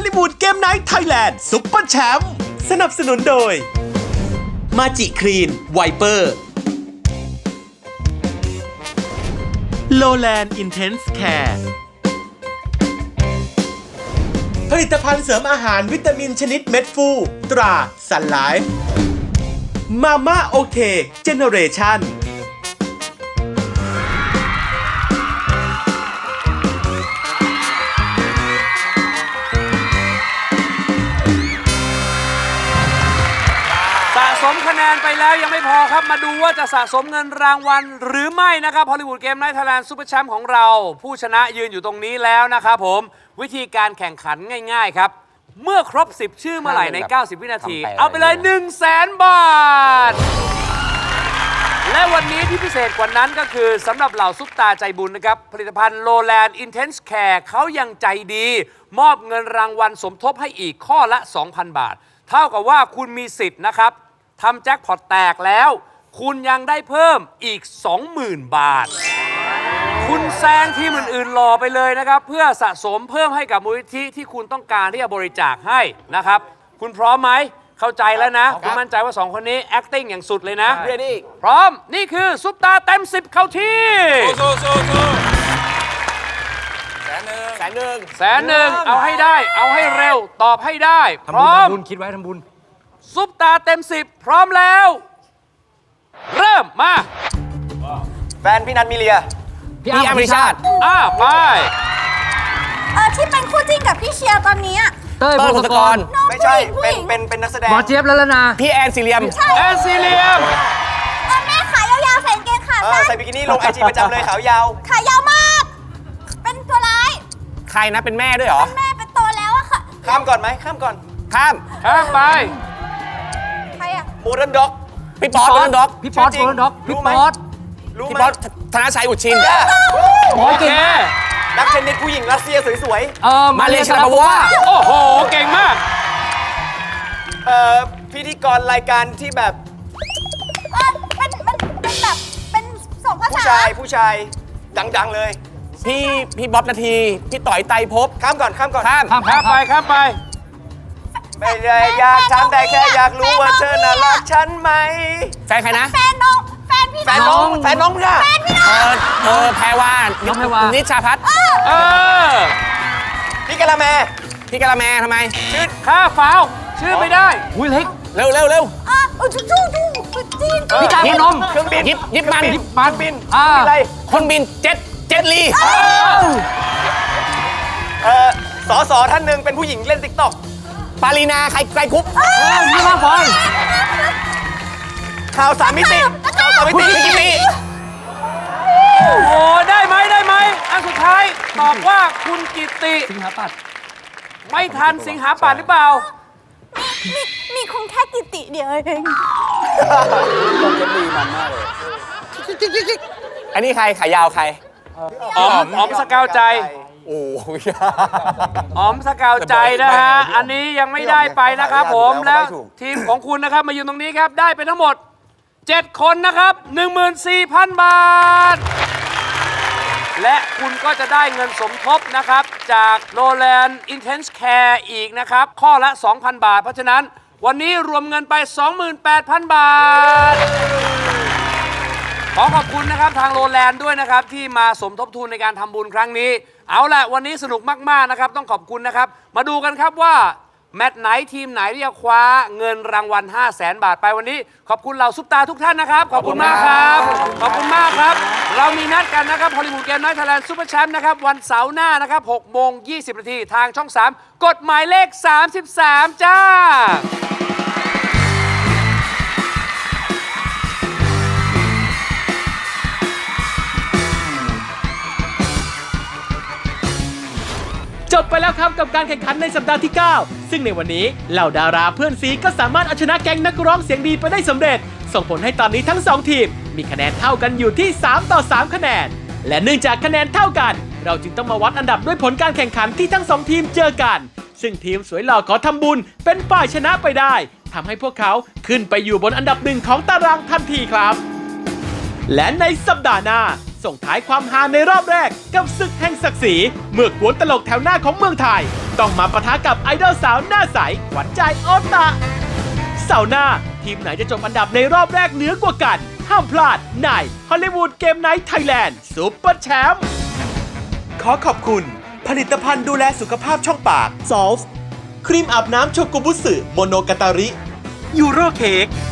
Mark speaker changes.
Speaker 1: ลลีวูดเกมไนท์ไทยแลนด์ซุปเปอร์แชมป์สนับสนุนโดยมาจิครีนไวเปอร์โลแลนด์อินเทนส์แคร์ผลิตภัณฑ์เสริมอาหารวิตามินชนิดเม็ดฟูตราซันไลฟ์มาม่าโอเคเจเนเรชั่น
Speaker 2: สะสมคะแนนไปแล้วยังไม่พอครับมาดูว่าจะสะสมเงินรางวัลหรือไม่นะครับฮอลลีวูดเกมไนท์ไทยแลนด์ซุปเปอร์แชมป์ของเราผู้ชนะยืนอยู่ตรงนี้แล้วนะครับผมวิธีการแข่งขันง่ายๆครับเมื่อครบ10ชื่อเมื่อไหร่ใน90วินาทีเอาไปเลย100,000 บาทและวันนี้ที่พิเศษกว่านั้นก็คือสำหรับเหล่าซุปตาใจบุญนะครับผลิตภัณฑ์โลแลนด์อินเทนส์แคร์เขายังใจดีมอบเงินรางวัลสมทบให้อีกข้อละ 2,000 บาทเท่ากับว่าคุณมีสิทธิ์นะครับทำแจ็คพอตแตกแล้วคุณยังได้เพิ่มอีก 20,000 บาทคุณแซงทีมอื่นๆรอไปเลยนะครับเพื่อสะสมเพิ่มให้กับมูลนิธิที่คุณต้องการที่จะบริจาคให้นะครับคุณพร้อมไหมเข้าใจแล้วนะคุณมั่นใจว่า2คนนี้ acting อย่างสุดเลยนะพร้อมนี่คือซุปตาเต็ม10เข้าที่100,000เอาให้ได้เอาให้เร็วตอบให้ได้พร้อมคิดไว้ทำบุญซุปตาเต็ม10พร้อมแล้วเริ่มมา
Speaker 3: แฟนพี่นัทมิเลียพี่อภิชาติ
Speaker 2: ไป
Speaker 4: ที่เป็นคู่จิ้นกับพี่เชียร์ตอนนี้
Speaker 3: เต้ยพงศกรไม่ใช่เป็นนักแสดง
Speaker 5: หมอเจี๊ยบแล้วนะ
Speaker 3: พี่แอนซีเรียม
Speaker 2: แอนซีเรียม
Speaker 4: แม่ขายาวๆใส่กางเกงขาสั้น
Speaker 3: ใส่บิกินี่ลงไอจีประจำเลยขาวยาว
Speaker 4: ขายาวมากเป็นตัวร้าย
Speaker 3: ใครนะเป็นแม่ด้วยเหรอ
Speaker 4: แม่เป็นโตแล้วอะค่ะ
Speaker 3: ข้ามก่อนไหมข้ามก่อนข้าม
Speaker 2: ไป
Speaker 4: ใครอะ
Speaker 3: โมเดิร์นด็อกพี่ป๊อตโมเดิร์นด็อก
Speaker 5: พี่ป๊อตโมเดิร์นด็อกพี่ป๊อต
Speaker 3: พี่ป๊อตธนชัยอุชิน
Speaker 2: โอเค
Speaker 3: นักเทนนิสผู้หญิงรัสเซียสวย
Speaker 5: ๆ
Speaker 3: มาเลชาลาโบวา
Speaker 2: โอ้โหเก่งมาก
Speaker 3: พิธีกรรายการที่แบบ
Speaker 4: เป็นแบบเป็น2 ภาษา
Speaker 3: ผู้ชายดังๆเลยพี่บ๊อบนาทีพี่ต่อยไตรภพข้ามก่อนข้ามไปไม่ได้อยากถามแต่แค่อยากรู้ว่าเธอน่ารักฉันไหมแฟนใครนะ
Speaker 4: แฟนน้องพี่น้อง
Speaker 3: แฟนน้องค่ะแพรวานิชาพัฒน์พี่กะละแมทำไม
Speaker 2: ชื่อข้าฟาวชื่อไม่ได้
Speaker 5: อุ้ยเล็ก
Speaker 3: เร็ว
Speaker 4: จูจีน
Speaker 5: พี่จ่ายนม
Speaker 3: เครื่องบินยิบมันบินอะไรคนบินเจ็ตลีสท่านหนึ่งเป็นผู้หญิงเล่นติ๊กต็อกปารีนาไกรคุป
Speaker 5: นี่มาฟอย
Speaker 3: ข่าว3 มิติพี่กิมมี่
Speaker 2: โอ้โหได้ไหมอันสุดท้ายตอบว่าคุณกิติ
Speaker 5: สิงหาปัตย์
Speaker 2: ไม่ทันสิงหาปัตย์หรือเปล่า
Speaker 4: มีคงแค่กิติเดียวเอง
Speaker 3: ต้องจะมีมันมากเลยอันนี้ใครขายาวใคร
Speaker 2: อ๋อมสกาวใจ
Speaker 3: โอ้ย
Speaker 2: อ๋อมสกาวใจนะฮะอันนี้ยังไม่ได้ไปนะครับผมแล้วทีมของคุณนะครับมายืนตรงนี้ครับได้ไปทั้งหมด7 คนนะครับ 14,000 บาทและคุณก็จะได้เงินสมทบนะครับจากโ o แลนด์ Intense Care อีกนะครับข้อละ 2,000 บาทเพราะฉะนั้นวันนี้รวมเงินไป 28,000 บาทขอขอบคุณนะครับทางโ o แลนด์ด้วยนะครับที่มาสมทบทุนในการทำบุญครั้งนี้เอาล่ะวันนี้สนุกมากๆนะครับต้องขอบคุณนะครับมาดูกันครับว่าแมตช์ไหนทีมไหนที่จะคว้าเงินรางวัล 500,000 บาทไปวันนี้ขอบคุณเหล่าซุปตาทุกท่านนะครับขอบคุณมากครับขอบคุณมากครับเรามีนัดกันนะครับฮอลลีวูดเกมไนท์ไทยแลนด์ซุปเปอร์แชมป์นะครับวันเสาร์หน้านะครับ6:20 น.ทางช่อง 3 กฎหมายเลข 33 จ้า
Speaker 1: จบไปแล้วครับกับการแข่งขันในสัปดาห์ที่ 9 ซึ่งในวันนี้เหล่าดาราเพื่อนซีก็สามารถเอาชนะแก๊งนักร้องเสียงดีไปได้สำเร็จส่งผลให้ตอนนี้ทั้ง2ทีมมีคะแนนเท่ากันอยู่ที่3-3คะแนนและเนื่องจากคะแนนเท่ากันเราจึงต้องมาวัดอันดับด้วยผลการแข่งขันที่ทั้ง2ทีมเจอกันซึ่งทีมสวยหล่อขอทำบุญเป็นฝ่ายชนะไปได้ทำให้พวกเขาขึ้นไปอยู่บนอันดับ1ของตารางทันทีครับและในสัปดาห์หน้าส่งท้ายความฮาในรอบแรกกับศึกแห่งศักดิ์ศรีเมื่อกวนตลกแถวหน้าของเมืองไทย ต้องมาปะทะกับไอดอลสาวหน้าใสขวัญใจโอตะเสาร์หน้าทีมไหนจะจบอันดับในรอบแรกเหนือกว่ากัน ห้ามพลาดในฮอลลีวูดเกมไนท์ไทยแลนด์ซุปเปอร์แชมป์ขอขอบคุณผลิตภัณฑ์ดูแลสุขภาพช่องปากซอลส์ครีมอาบน้ำโชกุบุสึโมโนกาตาริยูโรเค้ก